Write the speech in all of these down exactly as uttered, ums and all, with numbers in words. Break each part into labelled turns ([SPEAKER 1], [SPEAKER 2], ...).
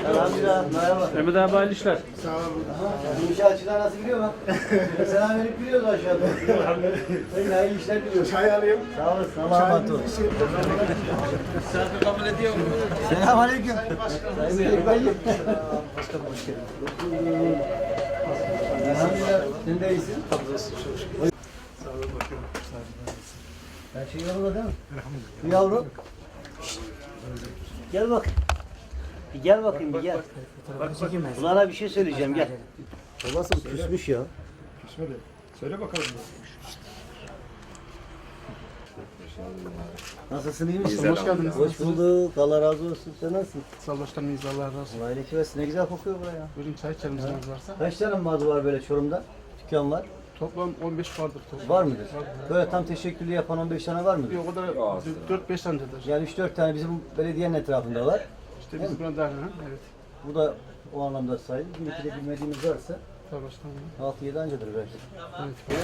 [SPEAKER 1] Elhamdülillah. Merhaba.
[SPEAKER 2] Mehmet abi hayırlı işler.
[SPEAKER 1] Sağ olun. İnşaatçılar nasıl biliyor mu? Selamünaleyküm biliyoruz aşağıda. Sayın hayırlı işler diliyoruz.
[SPEAKER 3] Çay alayım.
[SPEAKER 1] Sağ olasın. Allah'a emanet olun.
[SPEAKER 2] Misafir kabul ediyor mu?
[SPEAKER 1] Selamünaleyküm. Sayın Beyefendi. Başkanım hoş geldin. Elhamdülillah. Sen de iyisin.
[SPEAKER 3] Sağ olun bakıyorum.
[SPEAKER 1] Her şey yolunda değil mi? Bu yavru. Şşt. Gel bak. Bir gel bakayım bir gel. Ulan'a bir şey söyleyeceğim gel. Babası küsmüş ya.
[SPEAKER 3] Söyle. Söyle bakalım.
[SPEAKER 1] Nasılsın iyi misin? Hoş geldiniz. Hoş bulduk. Allah razı olsun. Sen nasılsın?
[SPEAKER 3] Sağ ol başkanım. İyiyiz. Allah razı olsun.
[SPEAKER 1] Allah iyilik versin. Ne güzel kokuyor buraya.
[SPEAKER 3] Buyurun çay içelim izniz varsa.
[SPEAKER 1] Kaç tane mağaza var böyle Çorum'da? Dükkan var.
[SPEAKER 3] Toplam on beş vardır. Toplam.
[SPEAKER 1] Var mıdır? Böyle tam teşekküllü yapan on beş tane var mıdır?
[SPEAKER 3] Yok o da dört beş tanedir.
[SPEAKER 1] Yani üç dört tane bizim belediyenin etrafında var.
[SPEAKER 3] İşte biz buna dahil ha. Evet.
[SPEAKER 1] Bu da o anlamda sayılır. Bir iki de bilmediğimiz varsa
[SPEAKER 3] Sağ ol başkanım.
[SPEAKER 1] altı yedi ancadır belki.
[SPEAKER 3] Evet.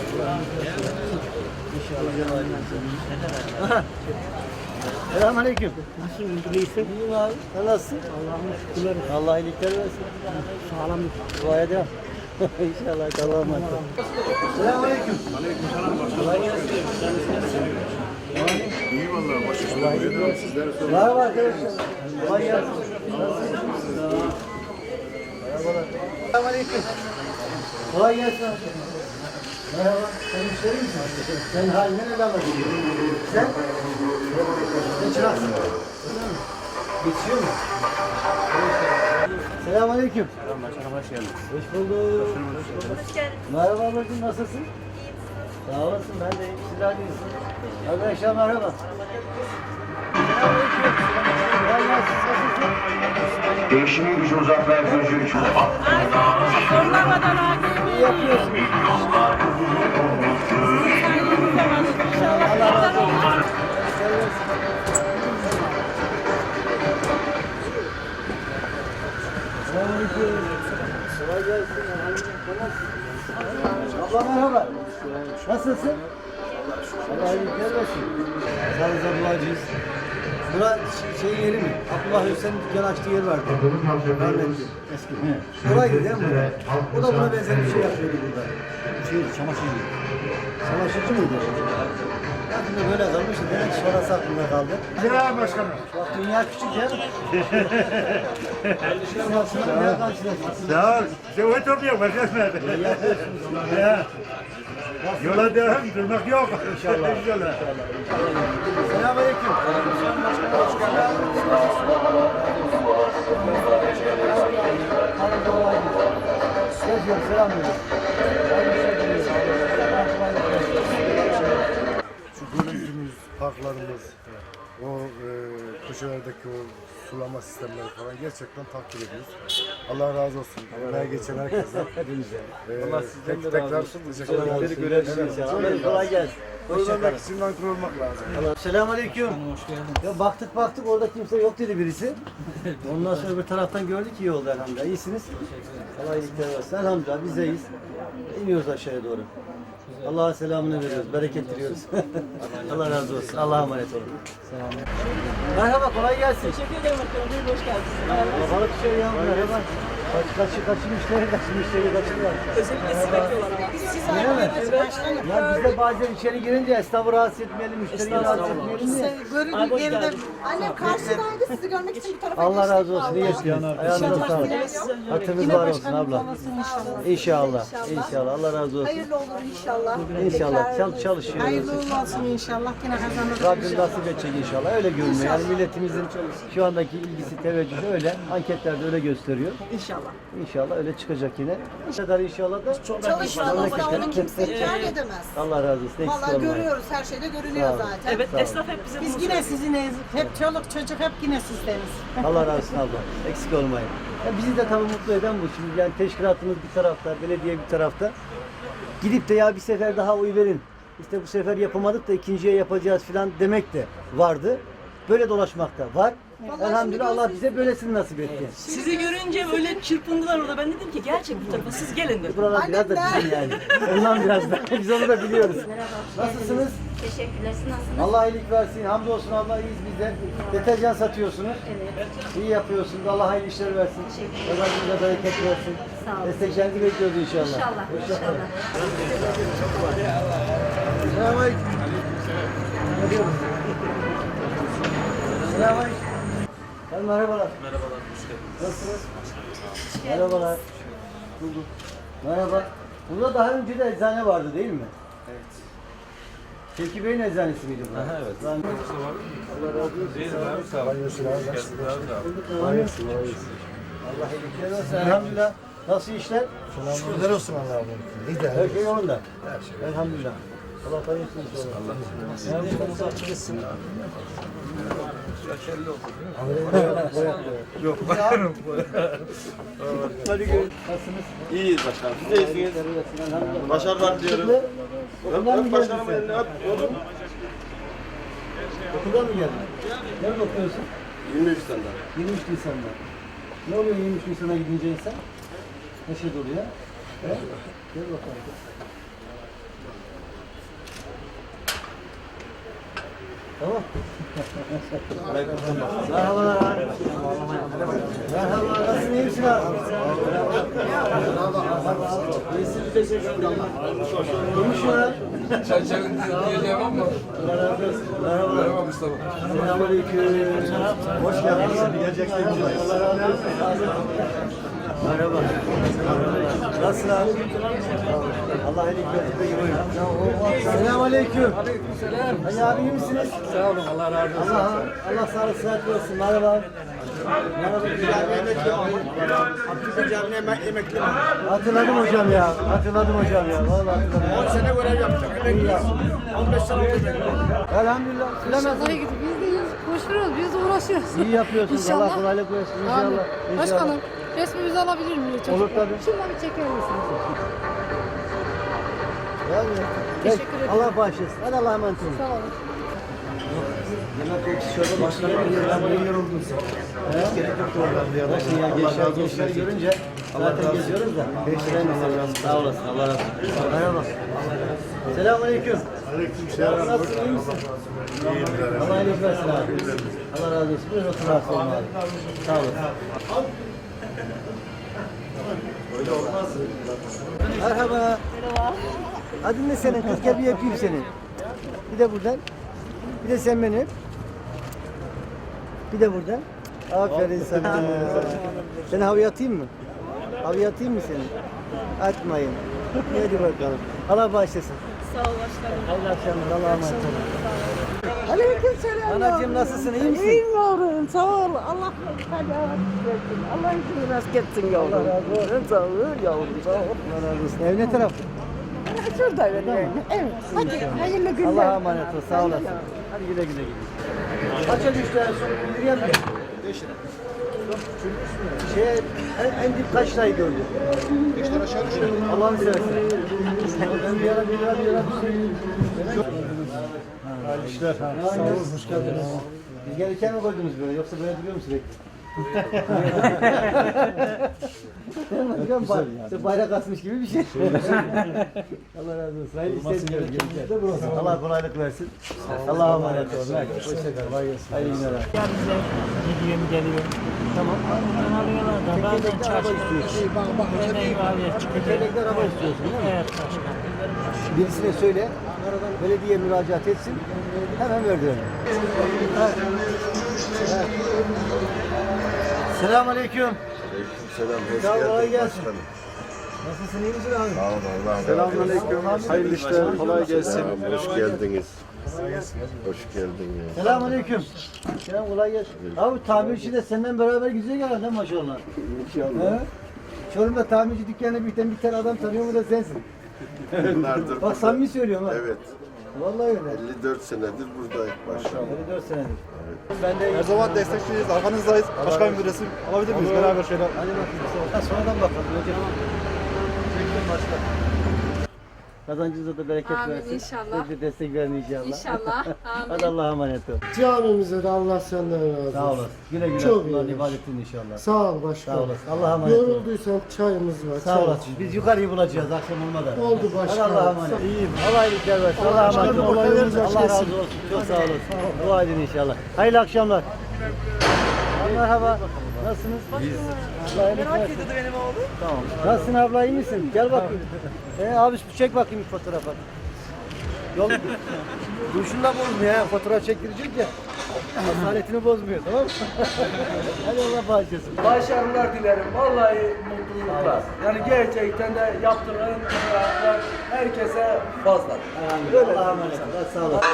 [SPEAKER 1] İnşallah. Selamünaleyküm. Nasılsın? İyisin? İyiyim abi. Sen nasılsın? Allah'ım şükürler. Allah iyilikler versin. Sağlam. Duaya devam. İnşallah. Allah'a emanet olun. Selamünaleyküm.
[SPEAKER 4] Aleykümselam başkanım.
[SPEAKER 1] Kolay gelsin.
[SPEAKER 4] İyi vallahi başkanım.
[SPEAKER 1] Allah iyilik versin. Merhaba arkadaşlar. Kolay gelsin. Merhabalar. Selamünaleyküm. Kolay gelsin. Merhaba. Sen müşteri misin? Sen halinden el anladın. Sen? Sen çıraksın. Geçiyor mu? Selamünaleyküm.
[SPEAKER 2] Selam başkanım hoş geldiniz.
[SPEAKER 1] Hoş bulduk. Hoş geldin. Merhaba ablacığım nasılsın? Sağ olasın ben de iyiyim. Sizler de iyisiniz. Arkadaşlar merhaba. Selamünaleyküm. Kolay gelsin. Nasılsın?
[SPEAKER 5] Değişimi gücü uzaklar gözü için.
[SPEAKER 1] İyi yapıyorsunuz. Allah razı olsun. Selamünaleyküm. Kolay gelsin. Abla merhaba. Nasılsın? Allah iyilikler versin. Sağlıkla duacıyız. Bura şey yeri mi? Abdullah Hüseyin'in dükkan açtığı yer vardı. Rahmetli. Eski. Buraydı değil mi? O da buna benzer bir şey yapıyordu burada. Şey, çamaşır yeri. Çamaşırcı mıydı? Aklımda böyle kalmıştı. Demek ki sonrası aklımda kaldı.
[SPEAKER 3] Selam başkanım.
[SPEAKER 1] Bak dünya küçük ya. Dünya karşılaştık.
[SPEAKER 4] Sağ ol. Cevat topluyor başkanım. Ya. Yola devam, durmak yok.
[SPEAKER 1] İnşallah.
[SPEAKER 4] İnşallah.
[SPEAKER 1] Selamünaleyküm. Geziyorum, selam veriyorum.
[SPEAKER 3] Şu görüntümüz, parklarımız, o e, köşelerdeki o sulama sistemleri falan gerçekten takdir ediyoruz. Allah razı olsun. Buraya geçen herkesten.
[SPEAKER 1] Hepinize.
[SPEAKER 3] E,
[SPEAKER 2] Allah sizden de
[SPEAKER 3] tekrar
[SPEAKER 2] razı olsun.
[SPEAKER 3] teşekkür ederim.
[SPEAKER 1] Beni görürsünüz inşallah. Kolay gelsin.
[SPEAKER 3] Ölmemek
[SPEAKER 1] Hoşçakalın.
[SPEAKER 3] için nankör olmak lazım.
[SPEAKER 1] Selamünaleyküm.
[SPEAKER 2] Hoş geldin.
[SPEAKER 1] Ya baktık baktık orada kimse yok dedi birisi. Ondan sonra öbür taraftan gördük iyi oldu elhamdülillah. İyisiniz. Allah iyilikler versin. Elhamdülillah biz de iyiyiz. İniyoruz aşağıya doğru. Allah'a selamını veriyoruz. Bereket diliyoruz. Allah razı olsun. Allah'a emanet olun. Merhaba kolay gelsin.
[SPEAKER 6] Teşekkür ederim efendim. Buyurun hoş geldiniz.
[SPEAKER 1] Babalık bir şey ya. Merhaba. Kaç, kaçı, kaçı müşteri, kaçı müşteri, kaçı var.
[SPEAKER 6] Özellikle sizi bekliyorlar ama. Siz
[SPEAKER 1] Öyle mi? Ya biz de bazen içeri girince esnafı rahatsız etmeyelim, müşteriyi rahatsız etmeyelim diye.
[SPEAKER 6] Abi hoş geldin.
[SPEAKER 7] Annem karşıdaydı, sizi görmek için bu tarafa
[SPEAKER 1] Allah
[SPEAKER 7] geçtik
[SPEAKER 1] razı olsun. İyi
[SPEAKER 7] vallahi.
[SPEAKER 1] yaşayın. Ayağınıza sağlık. Hatırınız var olsun abla. İnşallah. İnşallah. Allah razı olsun.
[SPEAKER 7] Hayırlı olur inşallah.
[SPEAKER 1] İnşallah.
[SPEAKER 7] Tekrar
[SPEAKER 1] Çal çalışıyoruz.
[SPEAKER 7] hayırlı uğurlu olsun inşallah. Yine kazanırız
[SPEAKER 1] Rabbim
[SPEAKER 7] inşallah.
[SPEAKER 1] nasip edecek inşallah. Öyle görünüyor. Yani milletimizin şu andaki ilgisi, teveccühü öyle. Anketlerde öyle gösteriyor.
[SPEAKER 6] İnşallah.
[SPEAKER 1] İnşallah öyle çıkacak yine. Bu kadar inşallah da
[SPEAKER 7] Çalışmanızda onu kimse inkar edemez.
[SPEAKER 1] Allah razı olsun. Eksik
[SPEAKER 7] Vallahi
[SPEAKER 1] olmayın.
[SPEAKER 7] görüyoruz, her şeyde görünüyor
[SPEAKER 1] Sağ olun.
[SPEAKER 7] zaten.
[SPEAKER 6] Evet
[SPEAKER 1] Sağ olun.
[SPEAKER 6] esnaf hep bize
[SPEAKER 8] Biz
[SPEAKER 6] bunu
[SPEAKER 8] yine
[SPEAKER 6] söylüyor.
[SPEAKER 8] siziniz. Hep çoluk çocuk hep yine sizdeniz.
[SPEAKER 1] Allah razı olsun abla. Eksik olmayın. Ya bizi de tabii mutlu eden bu. Şimdi yani teşkilatımız bir tarafta, belediye bir tarafta. Gidip de ya bir sefer daha oy verin. İşte bu sefer yapamadık da ikinciye yapacağız falan demek de vardı. Böyle dolaşmakta var.
[SPEAKER 7] Vallahi
[SPEAKER 1] Elhamdülillah
[SPEAKER 7] şimdi
[SPEAKER 1] Allah bize böylesini nasip etti.
[SPEAKER 6] Sizi görünce böyle çırpındılar orada. Ben dedim ki gerçek bu tarafa siz gelin dedim.
[SPEAKER 1] Buralar biraz da bizim yani. Ondan biraz da. Biz onu da biliyoruz. Nasılsınız?
[SPEAKER 9] Teşekkürler. Siz nasılsınız?
[SPEAKER 1] Allah iyilik versin. Hamdolsun Allah iyiyiz biz de. Deterjan satıyorsunuz.
[SPEAKER 9] Evet.
[SPEAKER 1] İyi yapıyorsunuz. Allah hayırlı işler versin.
[SPEAKER 9] Teşekkür ederim.
[SPEAKER 1] Kazançınıza bereket versin.
[SPEAKER 9] Sağ olun.
[SPEAKER 1] Desteklerinizi bekliyoruz inşallah.
[SPEAKER 9] İnşallah. İnşallah.
[SPEAKER 1] Selamünaleyküm. Ne diyorsun? Selamünaleyküm. Efendim, merhabalar.
[SPEAKER 2] Merhabalar, hoş geldiniz.
[SPEAKER 1] Nasılsınız? Merhabalar. Bulduk. Merhaba. Burada daha önce de eczane vardı değil mi?
[SPEAKER 2] Evet.
[SPEAKER 1] Tilki Bey'in eczanesi miydi bu?
[SPEAKER 2] Aha, evet.
[SPEAKER 1] Ben...
[SPEAKER 2] Allah razı olsun. Değil mi abi? Sağ olun. Hoş geldiniz abi.
[SPEAKER 1] Allah iyilikler versin. Elhamdülillah. Nasıl işler?
[SPEAKER 3] Şükürler olsun Allah'a. İyi de.
[SPEAKER 1] Her şey yolunda. Elhamdülillah. Allah hayırlısı inşallah. Allah
[SPEAKER 2] Yok.
[SPEAKER 1] Hadi görüşürüz. Nasılsınız?
[SPEAKER 2] İyiyiz başkanım. Siz de iyisiniz.
[SPEAKER 1] Elhamdülillah.
[SPEAKER 2] Başarılar diliyorum.
[SPEAKER 1] Okuldan mı
[SPEAKER 2] Öp
[SPEAKER 1] geldin
[SPEAKER 2] başkanım
[SPEAKER 1] sen?
[SPEAKER 2] elini öp. Oğlum.
[SPEAKER 1] Okuldan mı geldin? Nerede okuyorsun?
[SPEAKER 2] yirmi üç senden.
[SPEAKER 1] yirmi üç Nisan'da. Ne oluyor yirmi üç Nisan'a gidince insan? Ne şey oluyor? He? Gel bakalım. Tamam. Merhabalar abi. Merhabalar. Nasılsın? İyi misin abi? İyisin. Teşekkür ederim. Konuşuyor ha.
[SPEAKER 10] Çerçevenin diyeceğim ama.
[SPEAKER 1] Allah razı olsun. Merhabalar.
[SPEAKER 10] Merhaba Mustafa.
[SPEAKER 1] Selamünaleyküm. Hoş geldiniz. Allah razı olsun. Merhaba. Nasılsın abi? Allah iyilik versin. Selamünaleyküm. Aleykümselam. Hacı abi iyi misiniz?
[SPEAKER 10] Sağ olun, Allah razı olsun.
[SPEAKER 1] Allah Allah sağlık sıhhat versin. Merhaba. Merhaba.
[SPEAKER 4] Abdülkadir Camii'ne emekli.
[SPEAKER 1] Hatırladım hocam ya. Hatırladım hocam ya. Vallahi hatırladım.
[SPEAKER 4] on sene görev yaptım. Emekli. on beş sene oldu.
[SPEAKER 1] Elhamdülillah. Bilemezsin.
[SPEAKER 9] Biz de koşuyoruz, biz de uğraşıyoruz.
[SPEAKER 1] İyi yapıyorsunuz.
[SPEAKER 9] İnşallah.
[SPEAKER 1] Allah kolaylık versin. İnşallah.
[SPEAKER 9] Amin.
[SPEAKER 1] İnşallah.
[SPEAKER 9] Başkanım, resmimizi alabilir miyim? Çocuk?
[SPEAKER 1] Olur tabii.
[SPEAKER 9] Şundan bir çeker misiniz?
[SPEAKER 1] Yani,
[SPEAKER 9] Teşekkür ederim.
[SPEAKER 1] Allah bağışlasın. Hadi Allah'a emanet olun.
[SPEAKER 9] Sağ olun.
[SPEAKER 1] Yemek yok, şöyle başkanı bir ben buraya yoruldum sen. Hiç gerek yok oradan ya. Nasıl ya, gençler, gençler görünce zaten geziyoruz da. Gençler mi? Sağ olasın, Allah razı olsun. Merhaba. Selamünaleyküm.
[SPEAKER 3] Aleykümselam.
[SPEAKER 1] Nasılsın, iyi misin? Allah iyilik versin abi. Allah razı olsun. Buyurun otur rahatsız olun abi. Sağ olasın. Merhaba. Merhaba. Adın ne senin kız? Gel bir öpeyim seni. Bir de buradan. Bir de sen beni öp. Bir de buradan. Aferin sana. Seni havaya atayım mı? Havaya atayım mı seni? Atmayın. Hadi bakalım. Allah bağışlasın.
[SPEAKER 6] Sağ ol başkanım.
[SPEAKER 1] Allah akşamlar. Allah'a emanet olun.
[SPEAKER 8] Aleykümselam.
[SPEAKER 1] Anacığım nasılsın? İyi misin?
[SPEAKER 8] İyiyim yavrum. Sağ ol. Allah versin. Allah izini rast etsin yavrum.
[SPEAKER 1] Allah razı olsun.
[SPEAKER 8] Sağ ol yavrum. Sağ ol.
[SPEAKER 1] Allah razı olsun. Ev ne tarafta?
[SPEAKER 8] Şurada öyle. Evet. Hadi hayırlı günler.
[SPEAKER 1] Allah'a emanet ol. Sağ olasın. Hadi güle güle gidin. Kaça düştü en son? Bildireyim mi? beş lira. Şey, en, en dip kaç lirayı gördün? beş lira aşağı düştü. Allah'ını seversen. Ben bir ara bir lira bir lira bir şey.
[SPEAKER 3] Hayırlı işler. Sağ olun, hoş geldiniz.
[SPEAKER 1] Biz gelirken mi koydunuz böyle yoksa böyle duruyor mu sürekli? Değil mi? Hocam, bay- işte bayrak asmış gibi bir şey. Allah razı olsun. Hayırlı işler diliyorum. Allah kolaylık versin. Allah'a emanet olun. Hoşçakalın. Hayırlı günler.
[SPEAKER 11] Gidiyorum geliyorum.
[SPEAKER 1] Tamam.
[SPEAKER 11] Buradan alıyorlar da bazen
[SPEAKER 1] Tekerlekli araba
[SPEAKER 11] çarşı.
[SPEAKER 1] istiyorsun.
[SPEAKER 11] Yemeği var ya çıkacak.
[SPEAKER 1] Tekerlekli araba istiyorsun değil mi?
[SPEAKER 11] Evet başkanım.
[SPEAKER 1] Birisine söyle, belediye müracaat etsin, hemen verdi onu. Evet. Evet. Selamünaleyküm.
[SPEAKER 3] Selam, hoş
[SPEAKER 1] Sağ ol, kolay
[SPEAKER 3] geldin
[SPEAKER 1] gelsin.
[SPEAKER 3] başkanım.
[SPEAKER 1] Nasılsın, iyi misin abi?
[SPEAKER 3] Sağ olun, Allah'a emanet.
[SPEAKER 1] Selamünaleyküm.
[SPEAKER 3] Hayırlı işler, kolay gelsin. Hoş geldiniz. Hoş geldiniz.
[SPEAKER 1] Selamünaleyküm. Selam, kolay gelsin. Abi tamirci de senden beraber güzel herhalde maşallah. İnşallah. Çorum'da tamirci dükkanına bir tane, bir tane adam tanıyor mu da sensin.
[SPEAKER 3] Yıllardır
[SPEAKER 1] Bak samimi söylüyorum ha.
[SPEAKER 3] Evet.
[SPEAKER 1] Vallahi öyle.
[SPEAKER 3] elli dört senedir buradayım başkanım.
[SPEAKER 1] elli dört senedir. Ben de
[SPEAKER 10] Her zaman destekçiyiz, arkanızdayız. Başkanım bir resim alabilir miyiz beraber şöyle?
[SPEAKER 1] hadi bakayım. Ha, sonradan bakalım. Önce çektim başka. Kazancınıza da bereket
[SPEAKER 9] Amin,
[SPEAKER 1] versin.
[SPEAKER 9] inşallah.
[SPEAKER 1] Size de destek verin inşallah.
[SPEAKER 9] İnşallah. Amin.
[SPEAKER 1] Hadi Allah'a emanet ol.
[SPEAKER 3] Camimize de Allah senden razı olsun.
[SPEAKER 1] Sağ olasın. Güle güle
[SPEAKER 3] Çok
[SPEAKER 1] kullan
[SPEAKER 3] iyi.
[SPEAKER 1] ibadetini inşallah.
[SPEAKER 3] Sağ ol başkanım.
[SPEAKER 1] Sağ olasın. Allah'a emanet ol.
[SPEAKER 3] Yorulduysan çayımız var.
[SPEAKER 1] Sağ
[SPEAKER 3] çay
[SPEAKER 1] olasın. Biz yukarıyı bulacağız akşam olmadan.
[SPEAKER 3] Oldu
[SPEAKER 1] Hadi
[SPEAKER 3] başkanım.
[SPEAKER 1] Allah'a emanet. İyiyim. Allah iyilikler versin. Allah'a emanet ol. Allah razı olsun. Çok sağ olasın. Dua edin inşallah. Hayırlı akşamlar. Merhaba. Nasılsınız? Biz. Merak ediyordu benim oğlum. Tamam. Nasılsın abla, iyi misin? Gel bakayım. Ee, abi çek bakayım bir fotoğrafa. Yol duruşunda bozmuyor ha. Fotoğraf çektirecek ya. Asaletini bozmuyor, tamam mı? Hadi Allah bağışlasın.
[SPEAKER 2] Başarılar dilerim. Vallahi mutluluklar. Yani gerçekten de yaptığın icraatlar herkese fazla.
[SPEAKER 1] Böyle Allah'a emanet ol. Sağ olasın.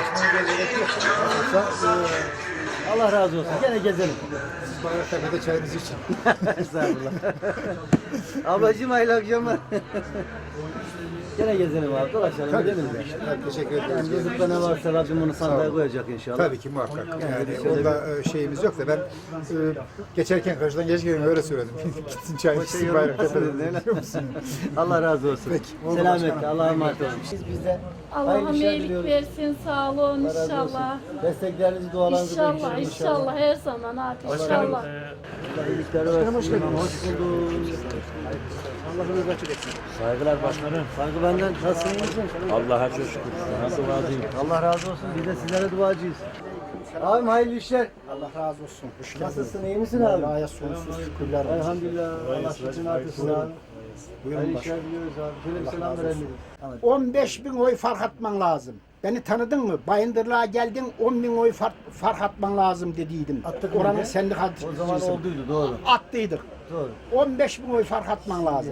[SPEAKER 1] Allah razı olsun. Gene gezelim.
[SPEAKER 3] Tepede çayınızı için.
[SPEAKER 1] Estağfurullah. Ablacığım hayırlı akşamlar. Gene gezelim abi, dolaşalım, gidelim de.
[SPEAKER 3] Teşekkür ederim.
[SPEAKER 1] Yani yazıkta ne varsa Rabbim bunu sandığa koyacak inşallah.
[SPEAKER 3] Tabii ki muhakkak. Yani onda e, şeyimiz yok da ben e, geçerken karşıdan geçerken öyle söyledim. Gitsin çay
[SPEAKER 1] Şey
[SPEAKER 3] içsin
[SPEAKER 1] yorulmasın
[SPEAKER 3] Bayraktepe'de.
[SPEAKER 1] dedin, öyle mi? Allah razı olsun. Selametle, Allah'a emanet olun. Siz bizde
[SPEAKER 9] Allah'ım
[SPEAKER 1] hayırlı işler
[SPEAKER 9] iyilik
[SPEAKER 1] diliyoruz.
[SPEAKER 9] versin, sağ olun
[SPEAKER 1] Allah razı olsun.
[SPEAKER 9] inşallah.
[SPEAKER 1] Desteklerinizi, dualarınızı
[SPEAKER 9] İnşallah,
[SPEAKER 1] bekliyorum
[SPEAKER 9] inşallah her zaman abi inşallah.
[SPEAKER 1] Allah iyilikler versin. Hoş geldiniz. Hoş bulduk. Allah'ınız açık etsin.
[SPEAKER 11] Saygılar başkanım.
[SPEAKER 1] Saygı benden. Nasılsın, iyi misin?
[SPEAKER 11] Allah'a çok şükür. Nasıl razıyım?
[SPEAKER 1] Allah razı olsun. Biz de sizlere duacıyız. Abim hayırlı işler.
[SPEAKER 3] Allah razı olsun. Hoş geldin.
[SPEAKER 1] Nasılsın, iyi misin abi?
[SPEAKER 3] Allah'a sonsuz şükürler olsun.
[SPEAKER 1] Elhamdülillah. Allah şükür artırsın abi. Hayırlı işler diliyoruz abi. Şöyle bir selam verelim.
[SPEAKER 12] on beş bin oy fark atman lazım. Beni tanıdın mı? Bayındırlığa geldin on bin oy fark, fark atman lazım dediydim.
[SPEAKER 1] Attık mı
[SPEAKER 12] Oranın
[SPEAKER 1] ne?
[SPEAKER 12] sendikacısın.
[SPEAKER 1] O zaman olduydu, doğru.
[SPEAKER 12] Attıydık.
[SPEAKER 1] Doğru.
[SPEAKER 12] on beş bin oy fark atman lazım.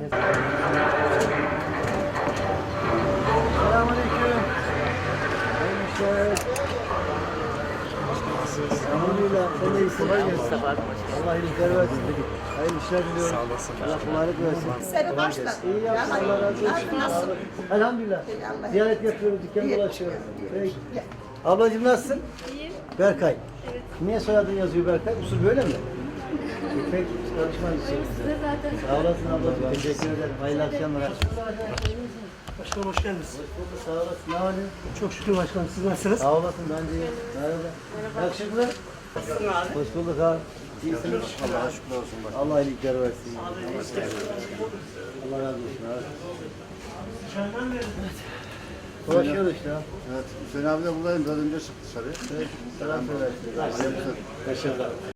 [SPEAKER 1] Selamünaleyküm. Hayırlı işler. Elhamdülillah. Sen de iyisin. Allah iyilikler versin dedik. Hayırlı işler diliyorum. Sağ olasın. Allah kolaylık versin.
[SPEAKER 7] Seni başla.
[SPEAKER 1] İyi yapsın. Allah razı olsun. Elhamdülillah. Ziyaret yapıyoruz, dükkan dolaşıyoruz. Peki. Ablacığım nasılsın?
[SPEAKER 9] İyiyim.
[SPEAKER 1] Berkay. Evet. Niye soyadın yazıyor Berkay? Usul böyle mi? Peki, çalışman için.
[SPEAKER 9] Size zaten.
[SPEAKER 1] Sağ olasın ablacığım. Teşekkür ederim. Hayırlı akşamlar.
[SPEAKER 11] Başkanım hoş geldiniz.
[SPEAKER 1] Hoş bulduk. Sağ olasın. Ne var ne yok?
[SPEAKER 11] Çok şükür başkanım. Siz nasılsınız?
[SPEAKER 1] Sağ olasın. Ben de iyiyim. Merhaba. Yakışıklı. Hoş bulduk abi. İyisiniz.
[SPEAKER 3] Allah'a şükür olsun.
[SPEAKER 1] Allah iyilikler versin. Allah razı olsun abi. Dolaşıyoruz işte abi.
[SPEAKER 3] Evet. Hüseyin abi de buradayım. Biraz önce çıktı dışarıya.
[SPEAKER 1] Selam söylersin. Başarılar.